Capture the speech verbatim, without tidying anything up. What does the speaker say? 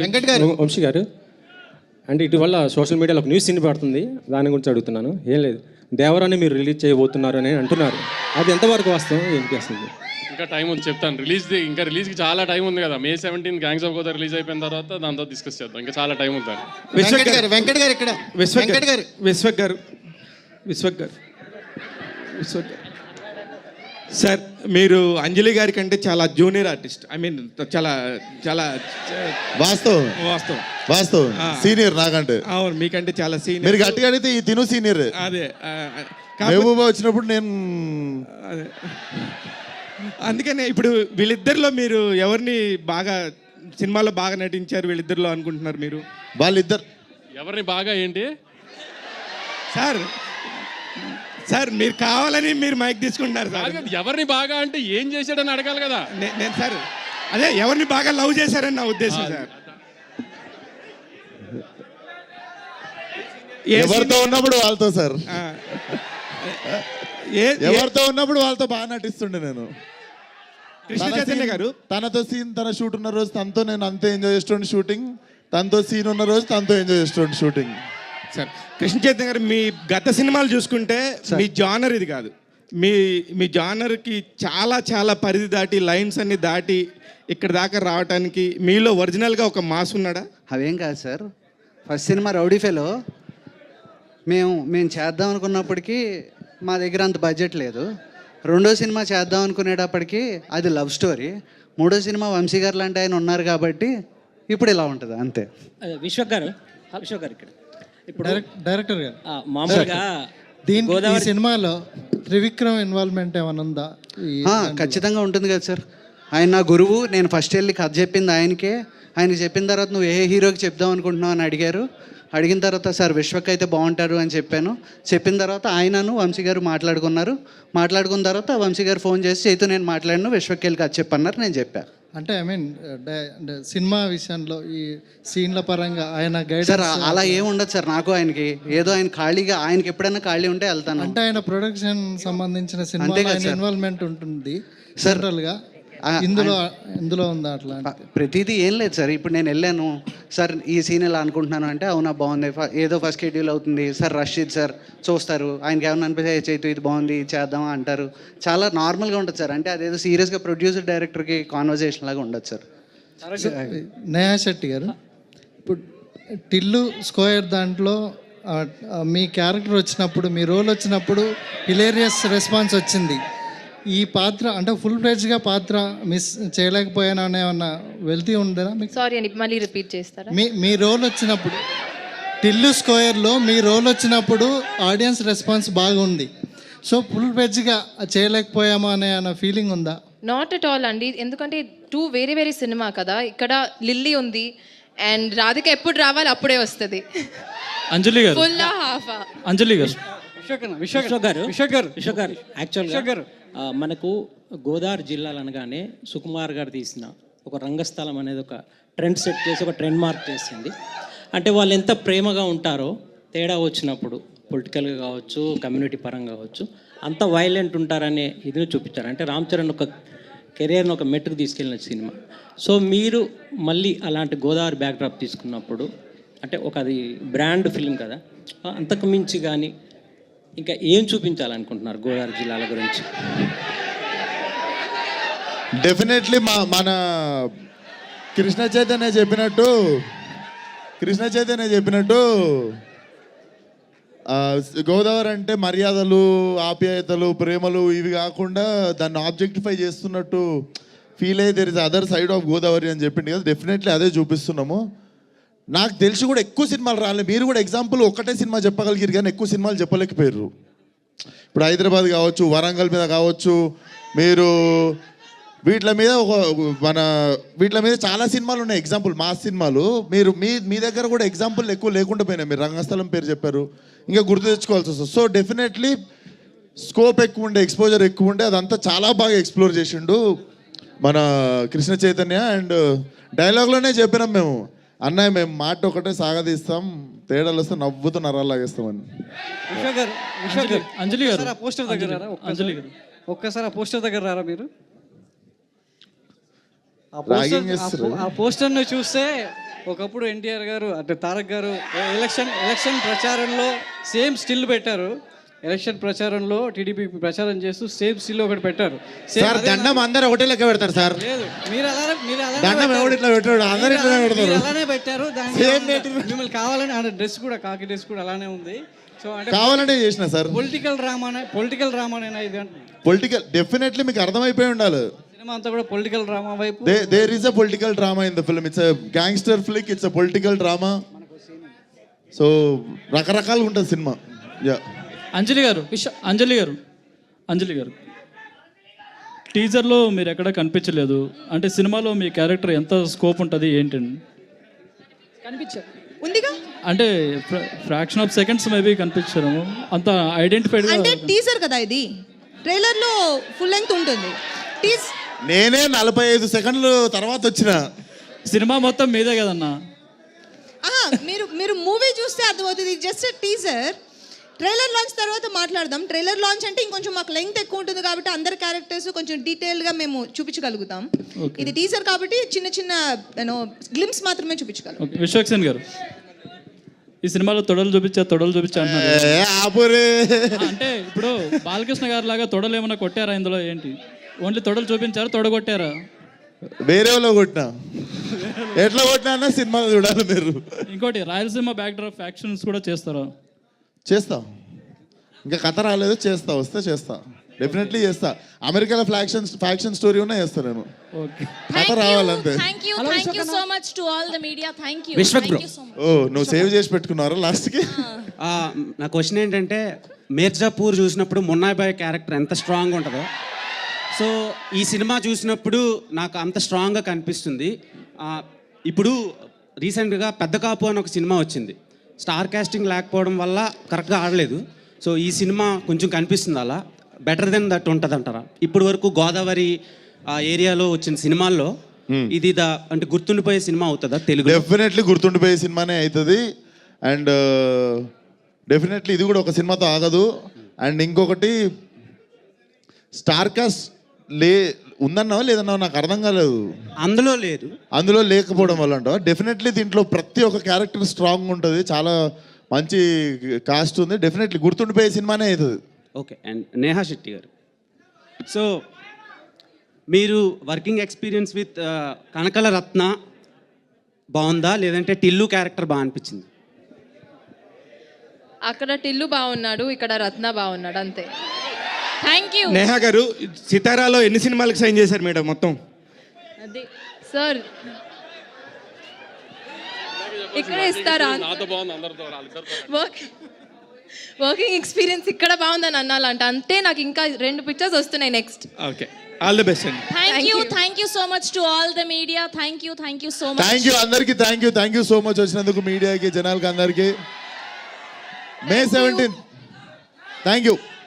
వెంకట్ గారు. వంశీ గారు, అంటే ఇటీవల సోషల్ మీడియాలో ఒక న్యూస్ వినపడుతుంది, దాని గురించి అడుగుతున్నాను. ఏం లేదు, దేవరాన్ని మీరు రిలీజ్ చేయబోతున్నారు అని అంటున్నారు, అది ఎంతవరకు వాస్తవం, ఏంటి అసలు? ఇంకా టైం ఉంది, చెప్తాను. రిలీజ్ ఇంకా రిలీజ్కి చాలా టైం ఉంది కదా. May seventeen gangs of Godavari release అయిపోయిన తర్వాత దాంతో డిస్కస్ చేద్దాం. ఇంకా చాలా టైం ఉంది. వెంకట్ గారు వెంకట్ గారు ఇక్కడ వెంకట్ గారు విశ్వక్ గారు విశ్వక్ గారు విశ్వక్ గారు సార్, మీరు అంజలి గారి కంటే చాలా జూనియర్ ఆర్టిస్ట్. ఐ మీన్ చాలా చాలా వాస్తవం వాస్తవం వాస్తవం సీనియర్ నాకంటే. అవును, మీకంటే చాలా సీనియర్. మీరు గట్టిగా అడిగితే ఈ తిను సీనియర్. అదే మహబూబా వచ్చినప్పుడు నేను అదే అందుకనే ఇప్పుడు వీళ్ళిద్దరిలో మీరు ఎవరిని బాగా సినిమాలో బాగా నటించారు వీళ్ళిద్దరిలో అనుకుంటున్నారు మీరు? వాళ్ళిద్దరు ఎవరిని బాగా ఏంటి సార్ సార్ మీరు కావాలని మీరు మైక్ తీసుకుంటున్నారు సార్. ఎవరిని బాగా అంటే ఏం చేశాడని అడగాలి కదా. నే- నేను సార్ అదే ఎవరిని బాగా లవ్ చేశారని నా ఉద్దేశం సార్. ఏ ఎవరితో scene- ఉన్నప్పుడు వాళ్ళతో సార్, ఆ, ఏ- ఏ- ఎవరితో ఉన్నప్పుడు వాళ్ళతో బాగా నటిస్తుండే నేను. కృష్ణ తన చైతన్య scene- గారు తనతో సీన్ తన షూట్ ఉన్న రోజు తనతో నేను అంతే ఎంజాయ్ చేస్తుండే షూటింగ్, తనతో సీన్ ఉన్న రోజు తనతో ఎంజాయ్ చేస్తుండే షూటింగ్. సార్ కృష్ణ చైతన్య గారు, మీ గత సినిమాలు చూసుకుంటే మీ జానర్ ఇది కాదు. మీ మీ జానర్కి చాలా చాలా పరిధి దాటి లైన్స్ అన్ని దాటి ఇక్కడ దాకా రావడానికి మీలో ఒరిజినల్గా ఒక మాస్ ఉన్నాడా? అవేం కాదు sir. First cinema rowdy fellow మేము మేము చేద్దాం అనుకున్నప్పటికీ మా దగ్గర అంత బడ్జెట్ లేదు. రెండో సినిమా చేద్దాం అనుకునేటప్పటికి అది లవ్ స్టోరీ. మూడో సినిమా వంశీ గారు లాంటి ఆయన ఉన్నారు కాబట్టి ఇప్పుడు ఇలా ఉంటుంది అంతే. విశ్వక్ గారు విశ్వక్ గారు ఇక్కడ ఇప్పుడు డైరెక్టర్ గారు, ఆ, మామూలుగా దీనికి ఈ గోదావరి సినిమాలో త్రివిక్రమ్ ఇన్వాల్వ్మెంట్ ఏమైనా ఉందా? ఈ ఆ, ఖచ్చితంగా ఉంటుంది కదా సార్. ఆయన నా గురువు. నేను ఫస్ట్ వెళ్ళి కథ చెప్పింది ఆయనకే. ఆయన చెప్పిన తర్వాత నువ్వు ఏ హీరోకి చెప్దాం అనుకుంటున్నావు అని అడిగారు. అడిగిన తర్వాత సార్ విశ్వక్ అయితే బాగుంటారు అని చెప్పాను. చెప్పిన తర్వాత ఆయనను వంశీ గారు మాట్లాడుకున్నారు. మాట్లాడుకున్న తర్వాత వంశీ గారు ఫోన్ చేసి చైతు నేను మాట్లాడిన విశ్వక్ వెళ్ళి కథ చెప్పన్నారు, నేను చెప్పాను. అంటే ఐ మీన్ సినిమా విషయంలో ఈ సీన్ల పరంగా ఆయన గైడ్ సార్ అలా ఏం ఉండదు సార్. నాకు ఆయనకి ఏదో ఆయన ఖాళీగా, ఆయనకి ఎప్పుడైనా ఖాళీ ఉంటే వెళ్తాను. అంటే ఆయన ప్రొడక్షన్ సంబంధించిన సినిమా అంతే కదా సార్. ఇన్వాల్వ్మెంట్ ఉంటుంది సార్. జనరల్ గా. ఆ, ఇందులో ఇందులో ఉందా అట్లా? ప్రతిదీ ఏం లేదు సార్. ఇప్పుడు నేను వెళ్ళాను సార్, ఈ సీన్ ఇలా అనుకుంటున్నాను అంటే అవునా బాగుంది, ఫ- ఏదో ఫస్ట్ షెడ్యూల్ అవుతుంది సార్, రషీద్ సార్ చూస్తారు, ఆయనకి ఏమన్నా అనిపిస్తే చైతు ఇది బాగుంది ఇది చేద్దామా అంటారు. చాలా నార్మల్గా ఉంటుంది సార్. అంటే అదేదో సీరియస్గా ప్రొడ్యూసర్ డైరెక్టర్కి కాన్వర్జేషన్ లాగా ఉండదు సార్. నేహా శెట్టి గారు, ఇప్పుడు టిల్లు స్క్వేర్ దాంట్లో ఆ, ఆ, మీ క్యారెక్టర్ వచ్చినప్పుడు, మీ రోల్ వచ్చినప్పుడు హిలేరియస్ రెస్పాన్స్ వచ్చింది. ఈ పాత్ర అంటే ఫుల్ ఫ్లెడ్జ్గా పాత్ర మిస్ చేయలేకపోయాను అనే ఏమన్నా వెళ్తీ ఉందా మీకు? సారీ అండి, మళ్ళీ రిపీట్ చేస్తారా? మీ మీ రోల్ వచ్చినప్పుడు టిల్లు స్క్వేర్లో మీ రోల్ వచ్చినప్పుడు ఆడియన్స్ రెస్పాన్స్ బాగుంది. సో ఫుల్ ఫ్లెడ్జ్గా చేయలేకపోయామా అనే అన్న ఫీలింగ్ ఉందా? నాట్ అట్ ఆల్ అండి. ఎందుకంటే టూ వేరే వేరే సినిమా కదా. ఇక్కడ లిల్లీ ఉంది అండ్ రాధిక ఎప్పుడు రావాలి అప్పుడే వస్తుంది. అంజలి గారు, ఫుల్ హాఫ్ అంజలి గారు, విశ్వక్ గారు విశ్వక్ గారు విశ్వక్ గారు యాక్చువల్గా ఆ, మనకు గోదావరి జిల్లాలు అనగానే సుకుమార్ గారు తీసిన ఒక రంగస్థలం అనేది ఒక ట్రెండ్ సెట్ చేసి ఒక ట్రెండ్ మార్క్ చేసింది. అంటే వాళ్ళు ఎంత ప్రేమగా ఉంటారో తేడా వచ్చినప్పుడు పొలిటికల్గా కావచ్చు, కమ్యూనిటీ పరంగా కావచ్చు, అంత వైలెంట్ ఉంటారనే ఇది చూపించారు. అంటే రామ్ చరణ్ ఒక కెరియర్ని ఒక మెట్టుకు తీసుకెళ్ళిన సినిమా. సో మీరు మళ్ళీ అలాంటి గోదావరి బ్యాక్డ్రాప్ తీసుకున్నప్పుడు అంటే ఒక అది బ్రాండ్ ఫిల్మ్ కదా, అంతకు మించి కానీ ఇంకా ఏం చూపించాలనుకుంటున్నారు గోదావరి జిల్లాల గురించి? డెఫినెట్లీ మా మన కృష్ణ చైతన్య చెప్పినట్టు కృష్ణ చైతన్య చెప్పినట్టు ఆ, గోదావరి అంటే మర్యాదలు, ఆప్యాయతలు, ప్రేమలు ఇవి కాకుండా దాన్ని ఆబ్జెక్టిఫై చేస్తున్నట్టు ఫీల్ అయ్యి there is other side of Godavari అని చెప్పింది కదా. డెఫినెట్లీ అదే చూపిస్తున్నాము. నాకు తెలిసి కూడా ఎక్కువ సినిమాలు రాలేదు. మీరు కూడా ఎగ్జాంపుల్ ఒకటే సినిమా చెప్పగలిగారు కానీ ఎక్కువ సినిమాలు చెప్పలేకపోయారు. ఇప్పుడు హైదరాబాద్ కావచ్చు, వరంగల్ మీద కావచ్చు, మీరు వీటి మీద ఒక మన వీటి మీద చాలా సినిమాలు ఉన్నాయి ఎగ్జాంపుల్, మాస్ సినిమాలు. మీరు మీ మీ దగ్గర కూడా ఎగ్జాంపుల్ ఎక్కువ లేకుండా పోయినాయి. మీరు రంగస్థలం పేరు చెప్పారు, ఇంకా గుర్తు తెచ్చుకోవాల్సి వస్తుంది. సో డెఫినెట్లీ స్కోప్ ఎక్కువ ఉండే, ఎక్స్పోజర్ ఎక్కువ ఉండే, అదంతా చాలా బాగా ఎక్స్ప్లోర్ చేసిండు మన కృష్ణ చైతన్య. అండ్ డైలాగ్లోనే చెప్పినాం మేము, అన్నయ్య మేము మాట ఒకటే సాగదీస్తాం, తేడాలు వస్తే నవ్వుతూ నరాలు లాగేస్తామని. అంజలి గారు పోస్టర్ దగ్గర రారా? అంజలి గారు ఒక్కసారి ఆ పోస్టర్ దగ్గర రారా మీరు? ఆ పోస్టర్ ఆ పోస్టర్ను చూస్తే ఒకప్పుడు ఎన్టీఆర్ గారు అంటే తారక్ గారు ఎలక్షన్ ఎలక్షన్ ప్రచారంలో సేమ్ స్టిల్ పెట్టారు. ఎలక్షన్ ప్రచారంలో టీడీపీ ప్రచారం చేస్తూ సేమ్ స్టిల్ ఒకటి పెట్టారు. Same సార్ అదే దండం అందరు ఒకటే లెక్క పెడతారు సార్. లేదు మీరు అలానే మీరు అలానే దండం పెట్టారు. ఎవడు ఇట్లా పెట్టాడు, అందరు మీరు ఇట్లా అలానే- పెడతారు. మీరు అలానే పెట్టారు. దానికి Same ఏమన్నా- పెట్టారు. మిమ్మల్ని కావాలని అంటే డ్రెస్ కూడా కాకి డ్రెస్ కూడా అలానే ఉంది. సో అంటే కావాలంటే చేసిన సార్. పొలిటికల్ డ్రామానే పొలిటికల్ డ్రామానేనా ఇది అంటున్నా. పొలిటికల్ డెఫినెట్లీ మీకు అర్థమైపోయి ఉండాలి. సినిమా అంతా కూడా పొలిటికల్ డ్రామా వైపు. There is a political drama in the film. It's a gangster flick, it's a political drama. So రకరకాలుగా ఉంటుంది సినిమా. యా అంజలి గారు విష అంజలి గారు అంజలి గారు టీజర్లో మీరు ఎక్కడ కనిపించలేదు. అంటే సినిమాలో మీ క్యారెక్టర్ ఎంత స్కోప్ ఉంటుంది ఏంటండి? కనిపించారు ఉందిగా అంటే ఫ్రాక్షన్ ఆఫ్ సెకండ్స్ మేబీ కనిపించారు, అంత ఐడెంటిఫైడ్. అంటే టీజర్ కదా ఇది, ట్రైలర్ లో ఫుల్ లెంగ్త్ ఉంటుంది. టీజ్ నేనే నలభై ఐదు సెకండ్లు తర్వాత వచ్చిన. సినిమా మొత్తం మీదే కదన్నా. మీరు మీరు మూవీ చూస్తే అర్థమవుతుంది. Just teaser. ట్రైలర్ లాంచ్ తర్వాత మాట్లాడదాం. ట్రైలర్ లాంచ్ అంటే ఇంకొంచెం మాకు లెంగ్త్ ఎక్కువ ఉంటుంది కాబట్టి అందరి క్యారెక్టర్స్ కొంచెం డీటెయిల్గా మేము చూపించగలుగుతాం. ఇది టీజర్ కాబట్టి చిన్న చిన్న యూనో గ్లిమ్స్ మాత్రమే చూపించగలం. ఓకే, విశ్వక్సేన్ గారు ఈ సినిమాలో తొడలు చూపించా తొడలు చూపించా అంటున్నారు. ఏ ఆపురే. అంటే ఇప్పుడు బాలకృష్ణ గారి లాగా తొడలు ఏమైనా కొట్టారా ఇందులో? ఏంటి ఓన్లీ తొడలు చూపించారా, తొడ కొట్టారా? వేరే వాళ్ళు కొట్టినా, ఎట్లా కొట్టినా అన్న సినిమా చూడాలి మీరు. ఇంకోటి రాయలసీమ బ్యాక్ డ్రాప్ యాక్షన్స్ కూడా చేస్తారా? చేస్తా, ఇంకా కథ రాలేదు, చేస్తా, వస్తే చేస్తా, డెఫినెట్లీ చేస్తా. అమెరికాలో ఫ్యాక్షన్ ఫ్యాక్షన్ స్టోరీ ఉన్నా చేస్తా నేను. ఓకే, కథ రావాలంతే. Thank you thank you so much to all the media. Thank you Vishwak bro. ఓ నువ్వు సేవ్ చేసి పెట్టుకున్నారా లాస్ట్కి? ఆ, నా క్వశ్చన్ ఏంటంటే మిర్జాపూర్ చూసినప్పుడు మున్నాయ్ బాయ్ క్యారెక్టర్ ఎంత స్ట్రాంగ్ ఉంటుందో, సో ఈ సినిమా చూసినప్పుడు నాకు అంత స్ట్రాంగ్గా కనిపిస్తుంది. ఆ, ఇప్పుడు రీసెంట్గా పెద్ద కాపు అని ఒక సినిమా వచ్చింది. స్టార్ కాస్టింగ్ లేకపోవడం వల్ల కరెక్ట్గా ఆడలేదు. సో ఈ సినిమా కొంచెం కనిపిస్తుంది అలా బెటర్ దెన్ దట్ ఉంటుంది అంటారా? ఇప్పటి వరకు గోదావరి ఆ ఏరియాలో వచ్చిన సినిమాల్లో ఇది ద అంటే గుర్తుండిపోయే సినిమా అవుతుందా తెలుగు? డెఫినెట్లీ గుర్తుండిపోయే సినిమానే అవుతుంది. అండ్ డెఫినెట్లీ ఇది కూడా ఒక సినిమాతో ఆగదు. అండ్ ఇంకొకటి స్టార్ కాస్ట్ లే ఉందన్నావా లేదన్నావా నాకు అర్థం కాలేదు. అందులో లేదు, అందులో లేకపోవడం వల్ల అంటావా? డెఫినెట్లీ దీంట్లో ప్రతి ఒక్క క్యారెక్టర్ స్ట్రాంగ్ ఉంటుంది, చాలా మంచి కాస్ట్ ఉంది. డెఫినెట్లీ గుర్తుండిపోయే సినిమానే అవుతుంది. Okay. And Neha Shetty garu, so మీరు working experience with Kanakala Ratna బాగుందా లేదంటే టిల్లు క్యారెక్టర్ బాగా అనిపించింది? అక్కడ టిల్లు బాగున్నాడు, ఇక్కడ రత్న బాగున్నాడు, అంతే. Thank you. నేహా గారు సితారాలో ఎన్ని సినిమాలకు సైన్ చేశారు మేడం మొత్తం? అది సార్ ఇక్కడ ఇస్తారా? నాతో బాగుంది, అందరితో వాళ్ళిద్దరితో. వర్క్ వర్కింగ్ ఎక్స్పీరియన్స్ ఇక్కడ బాగుందని అనాలంట. అంటే నాకు ఇంకా రెండు పిక్చర్స్ వస్తున్నాయి next. Okay, all the best అండి. Thank you thank you so much to all the media. Thank you thank you so much. Thank you అందరికీ, thank you thank you so much వచ్చినందుకు మీడియాకి, జనాలకి అందరికీ. May seventeenth thank you.